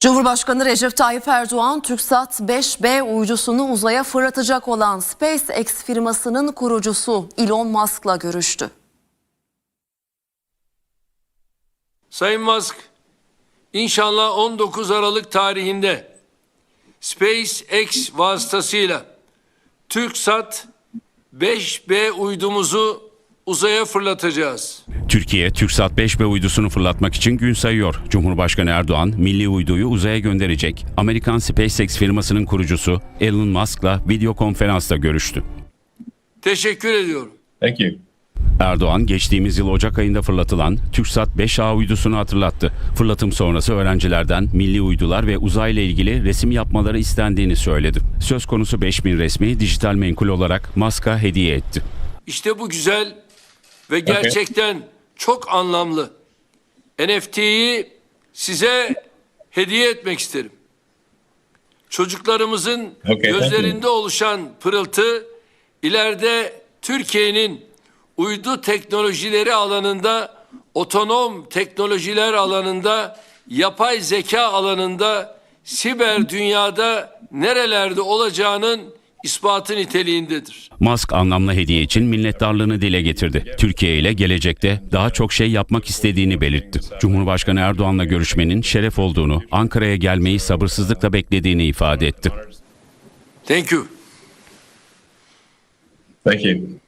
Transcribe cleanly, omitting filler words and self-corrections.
Cumhurbaşkanı Recep Tayyip Erdoğan, TürkSat 5B uydusunu uzaya fırlatacak olan SpaceX firmasının kurucusu Elon Musk'la görüştü. Sayın Musk, inşallah 19 Aralık tarihinde SpaceX vasıtasıyla TürkSat 5B uydumuzu uzaya fırlatacağız. Türkiye, TürkSat 5B uydusunu fırlatmak için gün sayıyor. Cumhurbaşkanı Erdoğan, milli uyduyu uzaya gönderecek. Amerikan SpaceX firmasının kurucusu Elon Musk'la video konferansta görüştü. Teşekkür ediyorum. Thank you. Erdoğan, geçtiğimiz yıl Ocak ayında fırlatılan TürkSat 5A uydusunu hatırlattı. Fırlatım sonrası öğrencilerden milli uydular ve uzayla ilgili resim yapmaları istendiğini söyledi. Söz konusu 5000 resmi dijital menkul olarak Musk'a hediye etti. İşte bu güzel ve gerçekten çok anlamlı NFT'yi size hediye etmek isterim. Çocuklarımızın gözlerinde oluşan pırıltı ileride Türkiye'nin uydu teknolojileri alanında, otonom teknolojiler alanında, yapay zeka alanında, siber dünyada nerelerde olacağının ispatı niteliğindedir. Musk anlamlı hediye için minnettarlığını dile getirdi. Türkiye ile gelecekte daha çok şey yapmak istediğini belirtti. Cumhurbaşkanı Erdoğan'la görüşmenin şeref olduğunu, Ankara'ya gelmeyi sabırsızlıkla beklediğini ifade etti. Thank you. Thank you.